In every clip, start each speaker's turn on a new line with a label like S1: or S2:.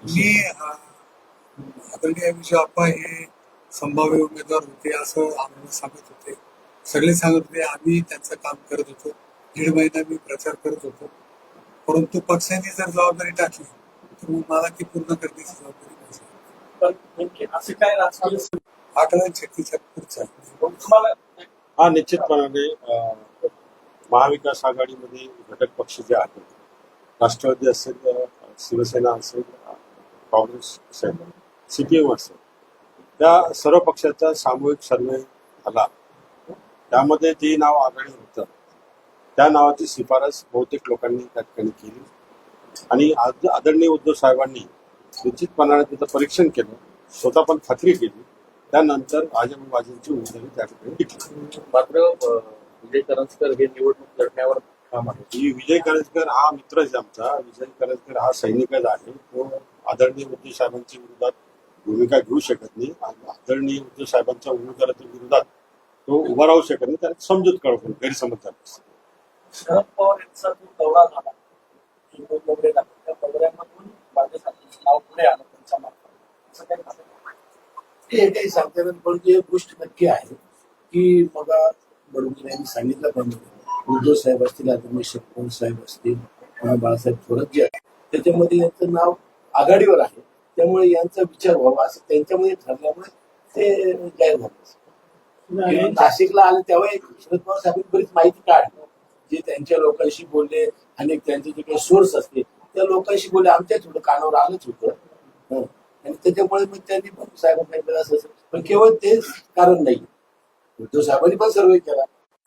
S1: मी आदरणीय विजय आप्पा हे संभाव्य उमेदवार होते असं आम्हाला सांगत होते. सगळे सांगत होते आम्ही त्यांचं काम करत होतो. 1.5 महिना मी प्रचार करत होतो. परंतु पक्षाने जर जबाबदारी टाकली तर मग मला ती पूर्ण करण्याची जबाबदारी माझी.
S2: पण नेमके असे काय राजकीय
S1: आकलन शक्तीच्या पुढचा
S2: तुम्हाला
S3: हा निश्चितपणाने महाविकास आघाडीमध्ये घटक पक्ष जे आहेत, राष्ट्रवादी असेल, शिवसेना असेल, काँग्रेस असेल, CPM असेल, त्या सर्व पक्षाचा सामूहिक सर्वे झाला. त्यामध्ये जे नाव आघाडी होतं त्या नावाची शिफारस बहुतेक लोकांनी त्या ठिकाणी केली आणि आदरणीय उद्धव साहेबांनी निश्चितपणाने त्याचं परीक्षण केलं, स्वतः पण खात्री केली. त्यानंतर राजाबाजींची उमेदवारी त्या ठिकाणी टिकली.
S2: मात्र विजय करंजकर हे निवडणूक लढण्यावर ठाम आहे.
S3: विजय करंजकर हा मित्रच आमचा. विजय करंजकर हा सैनिकच आहे. तो आदरणीय उद्धव साहेबांच्या विरोधात भूमिका घेऊ शकत नाही. आदरणीय उद्धव साहेबांच्या उमेदवाराच्या विरोधात तो उभा राहू शकत नाही. त्याला समजूत कळवून गैरसमज झाला.
S2: शरद पवार यांचा जो दौरा झाला त्या दौऱ्यामधून बाळासाहेबांचं नाव पुढे आलं त्यांच्या मार्फत असं काही झालं.
S4: हे काही सांगता येणार, पण एक गोष्ट नक्की आहे की बघा बरोबर यांनी सांगितल्याप्रमाणे उद्धव साहेब असतील, आदरणीय शरद साहेब असतील, बाळासाहेब थोरात जे आहे त्याच्यामध्ये यांचं नाव आघाडीवर आहे. त्यामुळे यांचा विचार व्हावा असं त्यांच्यामध्ये ठरल्यामुळे ते जाहीर झालं. नाशिकला आले तेव्हा एक शरद पवार साहेबांनी बरीच माहिती काढली, जे त्यांच्या लोकांशी बोलले आणि त्यांचे जे काही सोर्स असते त्या लोकांशी बोलले. आमच्या थोडं कानावर आलंच होतं आणि त्याच्यामुळे मग त्यांनी पण साहेबांना असं पण केवळ तेच कारण नाही, उद्धव साहेबांनी पण सर्वे केला.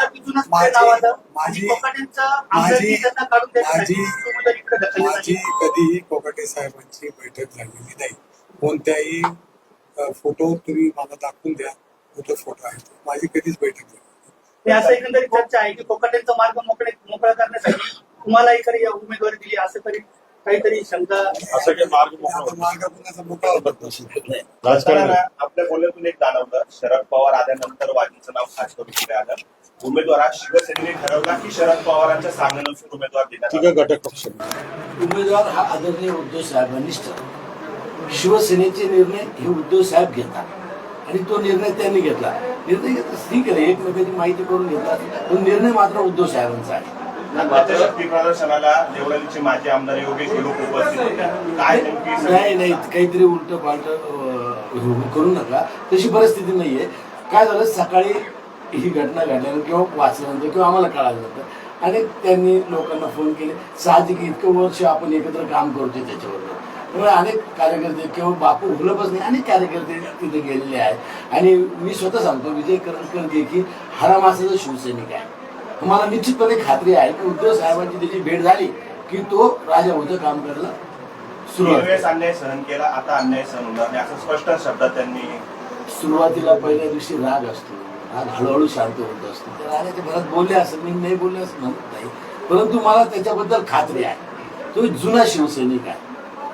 S1: माझी कधीही कोकाटे साहेबांची बैठक झालेली नाही. कोणत्याही फोटो तुम्ही मला दाखवून द्या, कुठं फोटो आहे माझी कधीच बैठक झाली.
S5: असं एकंदरीत चर्चा आहे की कोकाटेंचा मार्ग मोकळा करण्यासाठी तुम्हाला एखादी उमेदवारी दिली असं तरी काहीतरी शंका
S3: असं काही
S1: मार्ग पुन्हा मोकळा
S3: राजकारण
S6: आपल्या बोलण्यातून एक जाणवलं, शरद पवार आल्यानंतर वाजींचं नाव खास करून पुढे आलं. उमेदवार हा शिवसेनेने ठरवला की शरद पवारांच्या सांगण्यानुसार उमेदवार देण्यात
S3: घटक पक्ष
S4: उमेदवार हा आदरणीय उद्धव साहेबांनीच ठरवला. शिवसेनेचे निर्णय हे उद्धव साहेब घेतात आणि तो निर्णय त्यांनी घेतला. निर्णय घेतला ठीक आहे, एकमेकांची माहिती करून घेतला, पण निर्णय मात्र उद्धव साहेबांचा आहे.
S6: शक्ती प्रदर्शनाला देवळालीचे माजी आमदार योगेश हे लोक उपस्थित होते. काय
S4: नाही काहीतरी उलट पालट करू नका, तशी परिस्थिती नाहीये. काय झालं, सकाळी ही घटना घडल्यानंतर किंवा वाचल्यानंतर किंवा आम्हाला कळाल्यानंतर अनेक त्यांनी लोकांना फोन केले. साहजिक इतकं वर्ष आपण एकत्र काम करतोय त्याच्याबरोबर, त्यामुळे अनेक कार्यकर्ते किंवा बापू हुलपच नाही, अनेक कार्यकर्ते तिथे गेलेले आहेत. आणि मी स्वतः सांगतो, विजय करंजकर देखील हरामासाचा शिवसैनिक आहे. मला निश्चितपणे खात्री आहे की उद्धव साहेबांची त्याची भेट झाली की तो राजा होतं काम करायला
S6: सुरुवात. अन्याय सहन केला, आता अन्याय सहन होणार नाही असं स्पष्ट शब्दात त्यांनी.
S4: सुरुवातीला पहिल्या दिवशी राग असतो, राग हळूहळू शांत होत असतो. त्या रागाच्या भरात बोलले असं मी नाही बोलले असं म्हणत नाही, परंतु मला त्याच्याबद्दल खात्री आहे तो जुना शिवसैनिक आहे.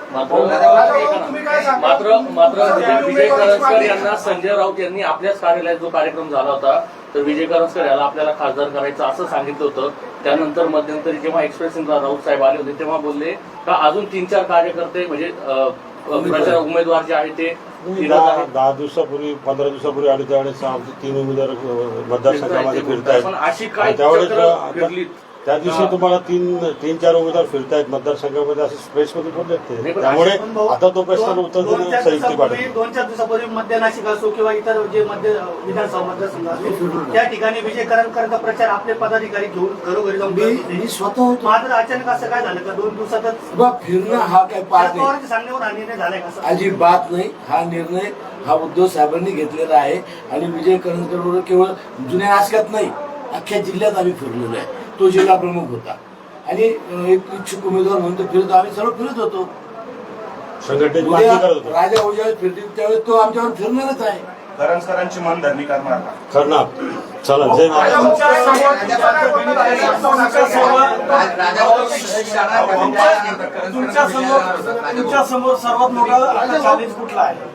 S2: मात्र विजय करंजकर यांना संजय राऊत यांनी आपल्याच कार्यालयात जो कार्यक्रम झाला होता तर विजय करंजकर याला आपल्याला खासदार करायचं असं सांगितलं होतं. त्यानंतर मध्यंतरी जेव्हा एक्सप्रेसला राऊत साहेब आले होते तेव्हा बोलले का अजून 3-4 कार्यकर्ते म्हणजे प्रचार उमेदवार जे आहेत ते
S3: 10 दिवसापूर्वी 15 दिवसापूर्वी आले त्यावेळेस आमचे 3 उमेदवार मतदारसंघामध्ये फिरतायत.
S2: पण अशी काय
S3: त्यावेळेस त्या दिवशी तुम्हाला 3-4 उमेदवार फिरतायत मतदारसंघामध्ये असे स्पेसमध्ये बोलले ते. त्यामुळे आता तो प्रश्न उत्तर देणं संयुक्त वाटत.
S5: 2-4 दिवसापूर्वी मध्य नाशिक असो किंवा इतर जे मध्य विधानसभा मतदारसंघ असतो त्या ठिकाणी विजय करंजकरांचा प्रचार आपले पदाधिकारी घेऊन घरोघरी जाऊन
S4: मी स्वतः होतो.
S5: मात्र अचानक असं काय झालं का 2 दिवसातच
S4: फिरणं हा काय पाठ नाही,
S5: सांगण्यावर हा निर्णय झालाय का?
S4: अजिबात नाही. हा निर्णय हा उद्धव साहेबांनी घेतलेला आहे आणि विजय करंजकर बरोबर केवळ जुन्या नाशकात नाही, अख्ख्या जिल्ह्यात आम्ही फिरलेलो आहे. तो जिल्हा प्रमुख होता आणि एक इच्छुक उमेदवार म्हणून तो फिरतो. आम्ही सर्व फिरत होतो. राजा उजावेत फिरतील त्यावेळेस तो आमच्यावर फिरणारच आहे.
S6: करंजकरांची मनधरणी करणार का?
S3: करणार. चला, जय महाराज.
S5: तुमच्या समोर सर्वात मोठा चॅलेंज कुठला आहे?